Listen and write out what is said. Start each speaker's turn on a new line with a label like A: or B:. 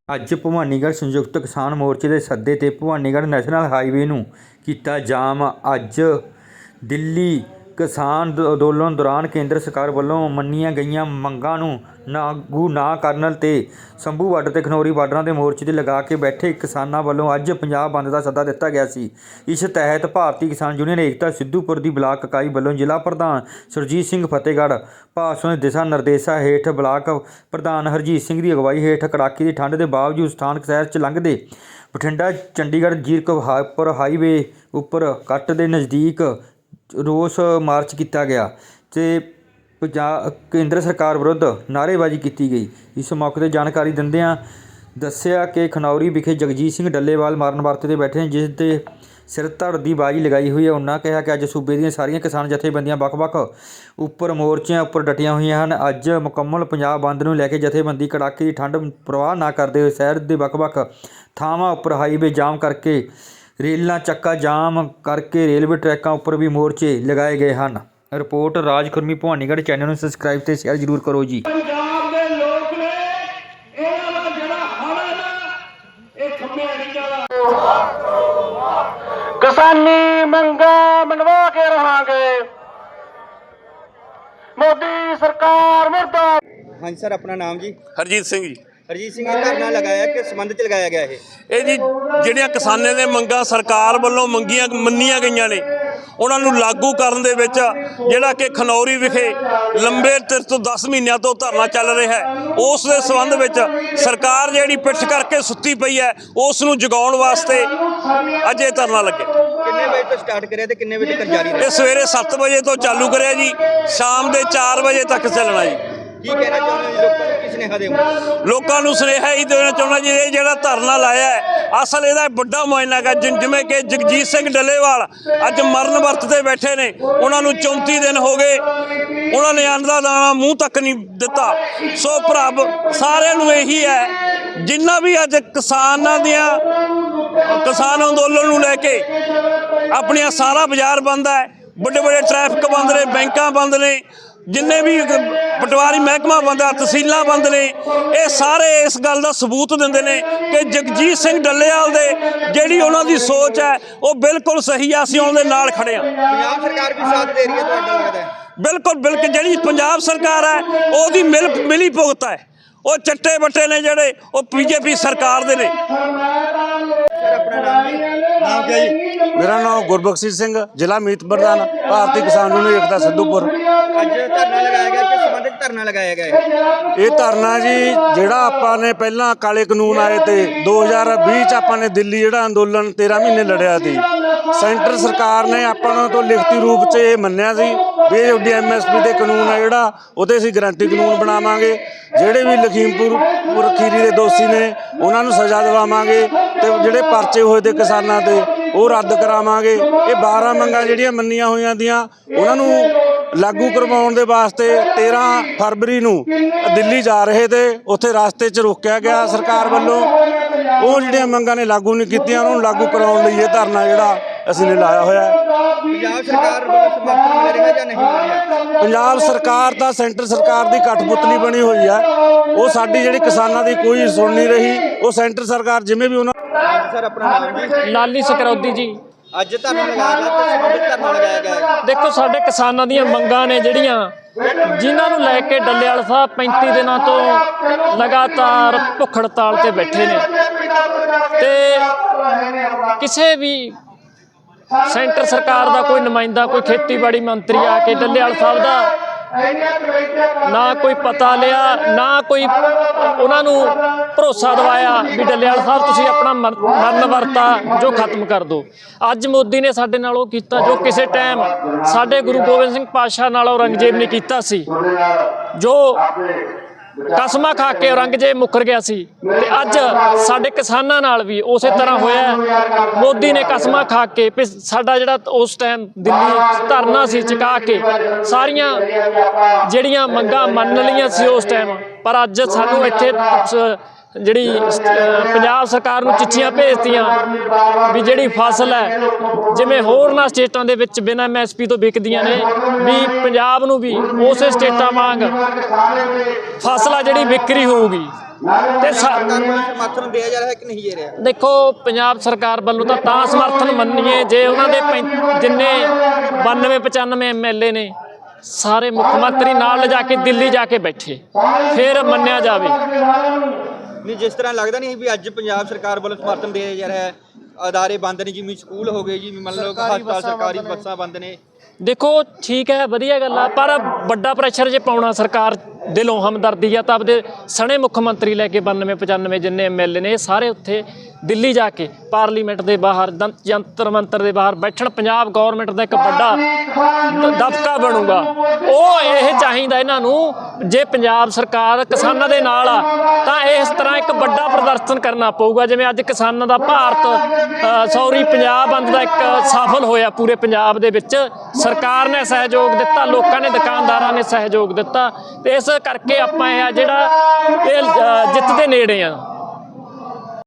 A: ਅੱਜ ਭਵਾਨੀਗੜ੍ਹ ਸੰਯੁਕਤ ਕਿਸਾਨ ਮੋਰਚੇ ਦੇ ਸੱਦੇ 'ਤੇ ਭਵਾਨੀਗੜ੍ਹ ਨੈਸ਼ਨਲ ਹਾਈਵੇ ਨੂੰ ਕੀਤਾ ਜਾਮ। ਅੱਜ ਦਿੱਲੀ ਕਿਸਾਨ ਅੰਦੋਲਨ ਦੌਰਾਨ ਕੇਂਦਰ ਸਰਕਾਰ ਵੱਲੋਂ ਮੰਨੀਆਂ ਗਈਆਂ ਮੰਗਾਂ ਨੂੰ ਲਾਗੂ ਨਾ ਕਰਨ 'ਤੇ ਸੰਭੂ ਬਾਰਡਰ ਤੇ ਖਨੌਰੀ ਬਾਰਡਰਾਂ ਦੇ ਮੋਰਚੇ 'ਤੇ ਲਗਾ ਕੇ ਬੈਠੇ ਕਿਸਾਨਾਂ ਵੱਲੋਂ ਅੱਜ ਪੰਜਾਬ ਬੰਦ ਦਾ ਸੱਦਾ ਦਿੱਤਾ ਗਿਆ ਸੀ। ਇਸ ਤਹਿਤ ਭਾਰਤੀ ਕਿਸਾਨ ਯੂਨੀਅਨ ਏਕਤਾ ਸਿੱਧੂਪੁਰ ਦੀ ਬਲਾਕ ਇਕਾਈ ਵੱਲੋਂ ਜ਼ਿਲ੍ਹਾ ਪ੍ਰਧਾਨ ਸੁਰਜੀਤ ਸਿੰਘ ਫਤਿਹਗੜ੍ਹ ਭਾਸ਼ਣ ਦੇ ਦਿਸ਼ਾ ਨਿਰਦੇਸ਼ਾਂ ਹੇਠ ਬਲਾਕ ਪ੍ਰਧਾਨ ਹਰਜੀਤ ਸਿੰਘ ਦੀ ਅਗਵਾਈ ਹੇਠ ਕੜਾਕੇ ਦੀ ਠੰਡ ਦੇ ਬਾਵਜੂਦ ਸਥਾਨਕ ਸ਼ਹਿਰ 'ਚ ਲੰਘਦੇ ਬਠਿੰਡਾ ਚੰਡੀਗੜ੍ਹ ਜ਼ੀਰਕਪੁਰ ਹਾਈਵੇ ਉੱਪਰ ਕੱਟ ਦੇ ਨਜ਼ਦੀਕ ਰੋਸ ਮਾਰਚ ਕੀਤਾ ਗਿਆ ਤੇ ਕੇਂਦਰ ਸਰਕਾਰ ਵਿਰੁੱਧ ਨਾਅਰੇਬਾਜ਼ੀ ਕੀਤੀ ਗਈ। ਇਸ ਮੌਕੇ 'ਤੇ ਜਾਣਕਾਰੀ ਦਿੰਦਿਆਂ ਦੱਸਿਆ ਕਿ ਖਨੌਰੀ ਵਿਖੇ ਜਗਜੀਤ ਸਿੰਘ ਡੱਲੇਵਾਲ ਮਰਨ ਵਰਤ 'ਤੇ ਬੈਠੇ ਨੇ, ਜਿਸ ਦੇ ਸਿਰ ਧੜ ਦੀ ਬਾਜੀ ਲਗਾਈ ਹੋਈ ਹੈ। ਉਹਨਾਂ ਕਿਹਾ ਕਿ ਅੱਜ ਸੂਬੇ ਦੀਆਂ ਸਾਰੀਆਂ ਕਿਸਾਨ ਜਥੇਬੰਦੀਆਂ ਵੱਖ-ਵੱਖ ਮੋਰਚਿਆਂ ਉੱਪਰ ਡਟੀਆਂ ਹੋਈਆਂ ਹਨ। ਅੱਜ ਮੁਕੰਮਲ ਪੰਜਾਬ ਬੰਦ ਨੂੰ ਲੈ ਕੇ ਜਥੇਬੰਦੀ ਕੜਾਕੇ ਦੀ ਠੰਡ ਪ੍ਰਵਾਹ ਨਾ ਕਰਦੇ ਹੋਏ ਸ਼ਹਿਰ ਦੇ ਵੱਖ-ਵੱਖ ਥਾਵਾਂ ਉੱਪਰ ਹਾਈਵੇ ਜਾਮ ਕਰਕੇ ਰੇਲਾਂ ਚੱਕਾ ਜਾਮ ਕਰਕੇ ਰੇਲਵੇ ਟਰੈਕਾਂ ਉੱਪਰ ਵੀ ਮੋਰਚੇ ਲਗਾਏ ਗਏ ਹਨ। ਰਿਪੋਰਟ ਰਾਜ ਖੁਰਮੀ ਭਵਾਨੀਗੜ੍ਹ। ਚੈਨਲ ਨੂੰ ਸਬਸਕ੍ਰਾਈਬ ਤੇ ਸ਼ੇਅਰ ਜ਼ਰੂਰ ਕਰੋ ਜੀ।
B: ਪੰਜਾਬ ਦੇ ਲੋਕ ਨੇ ਇਹਨਾਂ ਦਾ ਜਿਹੜਾ ਹੜ ਹੈ ਨਾ, ਇਹ ਖੰਭੇ ਅੜੀਆਂ ਦਾ ਕਿਸਾਨੀ ਮੰਗਾਂ ਮਨਵਾ ਕੇ ਰਹਾਂਗੇ। ਮੋਦੀ ਸਰਕਾਰ ਮੁਰਦਾਬਾਦ।
C: ਹਾਂਜੀ ਸਰ, ਆਪਣਾ ਨਾਮ ਜੀ?
D: ਹਰਜੀਤ ਸਿੰਘ ਜੀ।
C: ਹਰਜੀਤ ਸਿੰਘ, ਇਹ ਧਰਨਾ ਲਗਾਇਆ ਕਿ ਸੰਬੰਧ 'ਚ ਲਗਾਇਆ ਗਿਆ
D: ਇਹ ਜੀ ਜਿਹੜੀਆਂ ਕਿਸਾਨਾਂ ਦੇ ਮੰਗਾਂ ਸਰਕਾਰ ਵੱਲੋਂ ਮੰਨੀਆਂ ਗਈਆਂ ਨੇ, ਉਹਨਾਂ ਨੂੰ ਲਾਗੂ ਕਰਨ ਦੇ ਵਿੱਚ ਜਿਹੜਾ ਕਿ ਖਨੌਰੀ ਵਿਖੇ ਲੰਬੇ ਤੋਂ 10 ਮਹੀਨਿਆਂ ਤੋਂ ਧਰਨਾ ਚੱਲ ਰਿਹਾ ਹੈ, ਉਸ ਦੇ ਸੰਬੰਧ ਵਿੱਚ ਸਰਕਾਰ ਜਿਹੜੀ ਪਿੱਠ ਕਰਕੇ ਸੁੱਤੀ ਪਈ ਹੈ, ਉਸ ਨੂੰ ਜਗਾਉਣ ਵਾਸਤੇ ਅੱਜ ਇਹ ਧਰਨਾ ਲੱਗੇ।
C: ਕਿੰਨੇ ਵਜੇ ਤੋਂ ਸਟਾਰਟ ਕਰਿਆ ਤੇ ਕਿੰਨੇ ਵਜੇ ਤੱਕ ਜਾਰੀ ਰਹੇਗਾ?
D: ਇਹ ਸਵੇਰੇ 7 ਵਜੇ ਤੋਂ ਚਾਲੂ ਕਰਿਆ ਜੀ, ਸ਼ਾਮ ਦੇ 4 ਵਜੇ ਤੱਕ ਚੱਲਣਾ ਜੀ।
C: ਕੀ ਕਹਿਣਾ ਚਾਹੁੰਦੇ ਹੋ ਲੋਕਾਂ ਨੂੰ, ਕੀ ਸੁਨੇਹਾ ਦੇਵੋਗੇ?
D: ਲੋਕਾਂ ਨੂੰ ਸੁਨੇਹਾ ਹੀ ਦੇਣਾ ਚਾਹੁੰਦਾ ਜੀ, ਇਹ ਜਿਹੜਾ ਧਰਨਾ ਲਾਇਆ ਹੈ ਅਸਲ ਇਹਦਾ ਵੱਡਾ ਮੁਆਇਨਾ ਹੈ। ਜਿਵੇਂ ਕਿ ਜਗਜੀਤ ਸਿੰਘ ਡੱਲੇਵਾਲ ਅੱਜ ਮਰਨ ਵਰਤ ਤੇ ਬੈਠੇ ਨੇ, ਉਹਨਾਂ ਨੂੰ 34 ਦਿਨ ਹੋ ਗਏ, ਉਹਨਾਂ ਨੇ ਅੰਨ ਦਾ ਦਾਣਾ ਮੂੰਹ ਤੱਕ ਨਹੀਂ ਦਿੱਤਾ। ਸੋ ਭਰਾ ਸਾਰਿਆਂ ਨੂੰ ਇਹੀ ਹੈ, ਜਿੰਨਾ ਵੀ ਅੱਜ ਕਿਸਾਨ ਅੰਦੋਲਨ ਨੂੰ ਲੈ ਕੇ ਆਪਣੀਆਂ ਸਾਰਾ ਬਾਜ਼ਾਰ ਬੰਦ ਹੈ, ਵੱਡੇ ਵੱਡੇ ਟ੍ਰੈਫਿਕ ਬੰਦ ਨੇ, ਬੈਂਕਾਂ ਬੰਦ ਨੇ, ਜਿੰਨੇ ਵੀ ਪਟਵਾਰੀ ਮਹਿਕਮਾ ਬੰਦ ਹੈ, ਤਹਿਸੀਲਾਂ ਬੰਦ ਨੇ, ਇਹ ਸਾਰੇ ਇਸ ਗੱਲ ਦਾ ਸਬੂਤ ਦਿੰਦੇ ਨੇ ਕਿ ਜਗਜੀਤ ਸਿੰਘ ਡੱਲੇਵਾਲ ਦੇ ਜਿਹੜੀ ਉਹਨਾਂ ਦੀ ਸੋਚ ਹੈ ਉਹ ਬਿਲਕੁਲ ਸਹੀ ਆ। ਅਸੀਂ ਉਹਨਾਂ ਦੇ ਨਾਲ ਖੜੇ ਹਾਂ।
C: ਪੰਜਾਬ ਸਰਕਾਰ ਵੀ ਸਾਥ ਦੇ ਰਹੀ ਹੈ ਤੁਹਾਡਾ ਲੱਗਦਾ ਹੈ?
D: ਬਿਲਕੁਲ ਜਿਹੜੀ ਪੰਜਾਬ ਸਰਕਾਰ ਹੈ ਉਹਦੀ ਮਿਲੀ ਭੁਗਤ ਹੈ। ਉਹ ਚੱਟੇ ਬੱਟੇ ਨੇ ਜਿਹੜੇ ਉਹ ਬੀਜੇਪੀ ਸਰਕਾਰ ਦੇ ਨੇ।
C: ਸਰ, ਆਪਣਾ ਨਾਮ ਜੀ?
E: ਨਾਮ ਕਿਆ ਜੀ? ਮੇਰਾ ਨਾਮ ਗੁਰਬਖਸ਼ ਸਿੰਘ, ਜ਼ਿਲ੍ਹਾ ਮੀਤ ਪ੍ਰਧਾਨ, ਭਾਰਤੀ ਕਿਸਾਨ ਯੂਨੀਅਨ ਏਕਤਾ ਸਿੱਧੂਪੁਰ।
C: ਅੱਜ ਧਰਨਾ ਲਗਾਇਆ ਗਿਆ, ਕਿਸ ਸੰਬੰਧ 'ਚ ਧਰਨਾ ਲਗਾਇਆ ਗਿਆ ਹੈ?
E: ਇਹ ਧਰਨਾ ਜੀ ਜਿਹੜਾ ਆਪਾਂ ਨੇ ਪਹਿਲਾਂ ਕਾਲੇ ਕਾਨੂੰਨ ਆਏ ਤੇ 2020 'ਚ ਆਪਾਂ ਨੇ ਦਿੱਲੀ ਜਿਹੜਾ ਅੰਦੋਲਨ 13 ਮਹੀਨੇ ਲੜਿਆ ਸੀ, ਸੈਂਟਰ ਸਰਕਾਰ ਨੇ ਆਪਾਂ ਤੋਂ ਲਿਖਤੀ ਰੂਪ 'ਚ ਇਹ ਮੰਨਿਆ ਸੀ ਵੀ ਇਹ DMSP ਦੇ ਕਾਨੂੰਨ ਆ ਜਿਹੜਾ ਉਹਦੇ ਅਸੀਂ ਗਰੰਟੀ ਕਾਨੂੰਨ ਬਣਾਵਾਂਗੇ। ਜਿਹੜੇ ਵੀ ਲਖੀਮਪੁਰ ਖੀਰੀ ਦੇ ਦੋਸ਼ੀ ਨੇ ਉਹਨਾਂ ਨੂੰ ਸਜ਼ਾ ਦਿਵਾਵਾਂਗੇ ਤੇ ਜਿਹੜੇ ਪਰਚੇ ਹੋਏ ਤੇ ਕਿਸਾਨਾਂ ਤੇ ਉਹ ਰੱਦ ਕਰਾਵਾਂਗੇ। ਇਹ 12 ਮੰਗਾਂ ਜਿਹੜੀਆਂ ਮੰਨੀਆਂ ਹੋਈਆਂ ਦੀਆਂ ਉਹਨਾਂ ਨੂੰ ਲਾਗੂ ਕਰਵਾਉਣ ਦੇ ਵਾਸਤੇ 13 ਫਰਵਰੀ ਨੂੰ ਦਿੱਲੀ ਜਾ ਰਹੇ ਤੇ ਉੱਥੇ ਰਸਤੇ 'ਚ ਰੋਕਿਆ ਗਿਆ ਸਰਕਾਰ ਵੱਲੋਂ। ਉਹ ਜਿਹੜੀਆਂ ਮੰਗਾਂ ਨੇ ਲਾਗੂ ਨਹੀਂ ਕੀਤੀਆਂ, ਉਹਨਾਂ ਨੂੰ ਲਾਗੂ ਕਰਾਉਣ ਲਈ ਇਹ ਧਰਨਾ ਜਿਹੜਾ ਅਸੀਂ ਨੇ ਲਾਇਆ ਹੋਇਆ ਹੈ।
C: ਪੰਜਾਬ ਸਰਕਾਰ ਵੱਲੋਂ ਸਮਰਥਨ ਮਿਲ ਰਿਹਾ ਜਾਂ ਨਹੀਂ ਮਿਲ ਰਿਹਾ?
E: ਪੰਜਾਬ ਸਰਕਾਰ ਤਾਂ ਸੈਂਟਰ ਸਰਕਾਰ ਦੀ ਕਠਪੁਤਲੀ ਬਣੀ ਹੋਈ ਹੈ। ਉਹ ਸਾਡੀ ਜਿਹੜੀ ਕਿਸਾਨਾਂ ਦੀ ਕੋਈ ਸੁਣ ਨਹੀਂ ਰਹੀ। ਉਹ ਸੈਂਟਰ ਸਰਕਾਰ ਜਿਵੇਂ ਵੀ ਉਹਨਾਂ।
C: ਸਰ, ਆਪਣਾ ਨਾਮ ਜੀ?
F: ਲਾਲੀ ਸਕਰੌਦੀ ਜੀ।
C: ਅੱਜ ਧਰਨਾ ਲਗਾਇਆ ਗਿਆ, ਕਿਸ ਸੰਬੰਧ 'ਚ ਧਰਨਾ ਲਗਾਇਆ ਗਿਆ ਹੈ?
F: ਦੇਖੋ, ਸਾਡੇ ਕਿਸਾਨਾਂ ਦੀਆਂ ਮੰਗਾਂ ਨੇ ਜਿਹੜੀਆਂ, ਜਿਨ੍ਹਾਂ ਨੂੰ ਲੈ ਕੇ ਡੱਲੇਵਾਲ ਸਾਹਿਬ 35 ਦਿਨਾਂ ਤੋਂ ਲਗਾਤਾਰ ਭੁੱਖ ਹੜਤਾਲ ਤੇ ਬੈਠੇ ਨੇ ਤੇ ਕਿਸੇ ਵੀ ਸੈਂਟਰ ਸਰਕਾਰ ਦਾ ਕੋਈ ਨੁਮਾਇੰਦਾ, ਕੋਈ ਖੇਤੀਬਾੜੀ ਮੰਤਰੀ ਆ ਕੇ ਡੱਲੇਵਾਲ ਸਾਹਿਬ ਦਾ ਨਾ ਕੋਈ ਪਤਾ ਲਿਆ, ਨਾ ਕੋਈ ਉਹਨਾਂ ਨੂੰ ਭਰੋਸਾ ਦਿਵਾਇਆ ਵੀ ਡੱਲੇਵਾਲ ਸਾਹਿਬ ਤੁਸੀਂ ਆਪਣਾ ਮਰਨ ਵਰਤਾ ਜੋ ਖਤਮ ਕਰ ਦਿਓ। ਅੱਜ ਮੋਦੀ ਨੇ ਸਾਡੇ ਨਾਲ ਉਹ ਕੀਤਾ ਜੋ ਕਿਸੇ ਟਾਈਮ ਸਾਡੇ ਗੁਰੂ ਗੋਬਿੰਦ ਸਿੰਘ ਪਾਤਸ਼ਾਹ ਨਾਲ ਔਰੰਗਜ਼ੇਬ ਨੇ ਕੀਤਾ ਸੀ, ਜੋ ਕਸਮਾਂ ਖਾ ਕੇ ਔਰੰਗਜ਼ੇਬ ਮੁੱਕਰ ਗਿਆ ਸੀ। ਤੇ ਅੱਜ ਸਾਡੇ ਕਿਸਾਨਾਂ ਨਾਲ ਵੀ ਉਸੇ ਤਰ੍ਹਾਂ ਹੋਇਆ। ਮੋਦੀ ਨੇ ਕਸਮਾਂ ਖਾ ਕੇ ਸਾਡਾ ਜਿਹੜਾ ਉਸ ਟਾਈਮ ਦਿੱਲੀ ਧਰਨਾ ਸੀ ਚੁਕਾ ਕੇ ਸਾਰੀਆਂ ਜਿਹੜੀਆਂ ਮੰਗਾਂ ਮੰਨ ਲਈਆਂ ਸੀ ਉਸ ਟਾਈਮ, ਪਰ ਅੱਜ ਸਾਨੂੰ ਇੱਥੇ ਜਿਹੜੀ ਪੰਜਾਬ ਸਰਕਾਰ ਨੂੰ ਚਿੱਠੀਆਂ ਭੇਜਤੀਆਂ ਵੀ ਜਿਹੜੀ ਫਸਲ ਹੈ ਜਿਵੇਂ ਹੋਰਨਾਂ ਸਟੇਟਾਂ ਦੇ ਵਿੱਚ ਬਿਨਾਂ MSP ਤੋਂ ਵਿਕਦੀਆਂ ਨੇ ਵੀ ਪੰਜਾਬ ਨੂੰ ਵੀ ਉਸੇ ਸਟੇਟਾਂ ਵਾਂਗ ਫਸਲ ਆ ਜਿਹੜੀ ਵਿਕਰੀ ਹੋਊਗੀ। ਤੇ
C: ਸਮਰਥਨ ਦਿਆ ਜਾ ਰਿਹਾ ਹੈ ਕਿ ਨਹੀਂ ਦੇ ਰਿਹਾ?
F: ਦੇਖੋ ਪੰਜਾਬ ਸਰਕਾਰ ਵੱਲੋਂ ਤਾਂ ਸਮਰਥਨ ਮੰਨੀਏ ਜੇ ਉਹਨਾਂ ਦੇ ਜਿੰਨੇ 92-95 MLA ਨੇ ਸਾਰੇ ਮੁੱਖ ਮੰਤਰੀ ਨਾਲ ਲਿਜਾ ਕੇ ਦਿੱਲੀ ਜਾ ਕੇ ਬੈਠੇ ਫਿਰ ਮੰਨਿਆ ਜਾਵੇ।
C: ਨਹੀਂ, ਜਿਸ ਤਰ੍ਹਾਂ ਲੱਗਦਾ ਨਹੀਂ ਵੀ ਅੱਜ ਪੰਜਾਬ ਸਰਕਾਰ ਵੱਲੋਂ ਸਮਰਥਨ ਦਿਆ ਜਾ ਰਿਹਾ ਹੈ, ਅਦਾਰੇ ਬੰਦ ਨੇ, ਜਿਵੇਂ ਸਕੂਲ ਹੋ ਗਏ ਜੀ, ਮੰਨ ਲਓ ਹਸਪਤਾਲ ਸਰਕਾਰੀ ਬੱਸਾਂ ਬੰਦ ਨੇ।
F: ਦੇਖੋ ਠੀਕ ਹੈ, ਵਧੀਆ ਗੱਲ ਆ, ਪਰ ਵੱਡਾ ਪ੍ਰੈਸ਼ਰ ਜੇ ਪਾਉਣਾ ਸਰਕਾਰ ਦਿਲੋਂ ਹਮਦਰਦੀ ਆ ਤਾਂ ਆਪਦੇ ਸਣੇ ਮੁੱਖ ਮੰਤਰੀ ਲੈ ਕੇ 92-95 ਜਿੰਨੇ MLA ਨੇ ਸਾਰੇ ਉੱਥੇ ਦਿੱਲੀ ਜਾ ਕੇ ਪਾਰਲੀਮੈਂਟ ਦੇ ਬਾਹਰ ਜੰਤਰ ਮੰਤਰ ਦੇ ਬਾਹਰ ਬੈਠਣ। ਪੰਜਾਬ ਗੌਰਮੈਂਟ ਦਾ ਇੱਕ ਵੱਡਾ ਦਬਕਾ ਬਣੂਗਾ। ਉਹ ਇਹ ਚਾਹੀਦਾ ਇਹਨਾਂ ਨੂੰ, ਜੇ ਪੰਜਾਬ ਸਰਕਾਰ ਕਿਸਾਨਾਂ ਦੇ ਨਾਲ ਆ ਤਾਂ ਇਸ ਤਰ੍ਹਾਂ ਇੱਕ ਵੱਡਾ ਪ੍ਰਦਰਸ਼ਨ ਕਰਨਾ ਪਊਗਾ ਜਿਵੇਂ ਅੱਜ ਕਿਸਾਨਾਂ ਦਾ ਪੰਜਾਬ ਬੰਦ ਦਾ ਇੱਕ ਸਫਲ ਹੋਇਆ ਪੂਰੇ ਪੰਜਾਬ ਦੇ ਵਿੱਚ। ਸਰਕਾਰ ਨੇ ਸਹਿਯੋਗ ਦਿੱਤਾ, ਲੋਕਾਂ ਨੇ, ਦੁਕਾਨਦਾਰਾਂ ਨੇ ਸਹਿਯੋਗ ਦਿੱਤਾ ਤੇ ਇਸ ਕਰਕੇ ਆਪਾਂ ਇਹ ਜਿਹੜਾ ਜਿੱਤ ਦੇ ਨੇੜੇ ਆ।